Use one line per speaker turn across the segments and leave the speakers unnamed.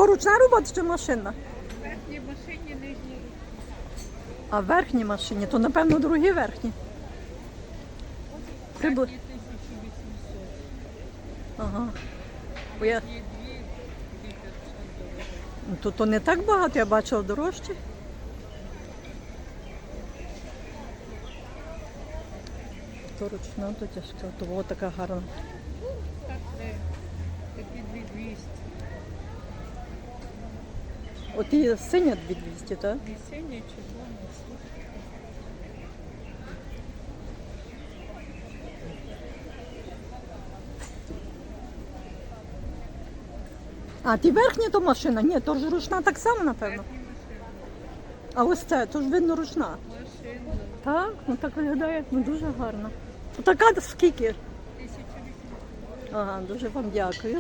то ручна робота чи машина?
Верхні машині, нижні.
А в верхній машині, то напевно другі верхні.
Верхні
Прибу...
1800.
Ага. Бо я...
Є 2500 доларів.
То не так багато, я бачила дорожче. То ручна, то тяжка, то о, така гарна.
Так, це такі 2200.
От і синя 2200, так?
І сині, червоні, супер.
А ті верхні то машина? Ні, то ж ручна так само, напевно.
Верхні машини.
А ось це, то ж видно ручна.
Машина.
Так, ну так виглядає, ну дуже гарно. То така скільки?
1800.
Ага, дуже вам дякую.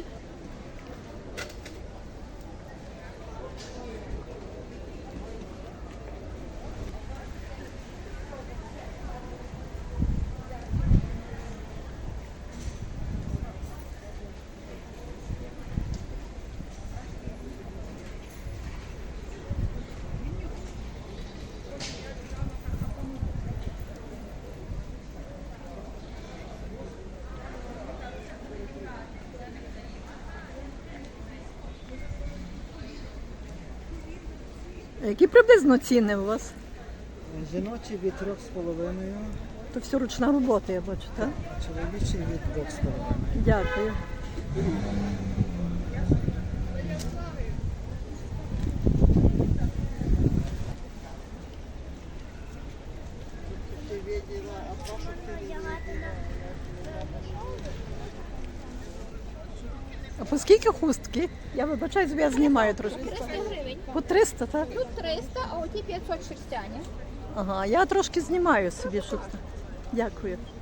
Які приблизно ціни у вас?
Жіночі від 3,5,
То все ручна робота, я бачу, так?
а чоловічі від 2,5.
Дякую. А по скільки хустки? Я вибачаюсь, я знімаю трошки.
300 гривень.
По 300, так?
Тут 300, а оті 500 шерстяні.
Ага, я трошки знімаю собі, щоб... Дякую.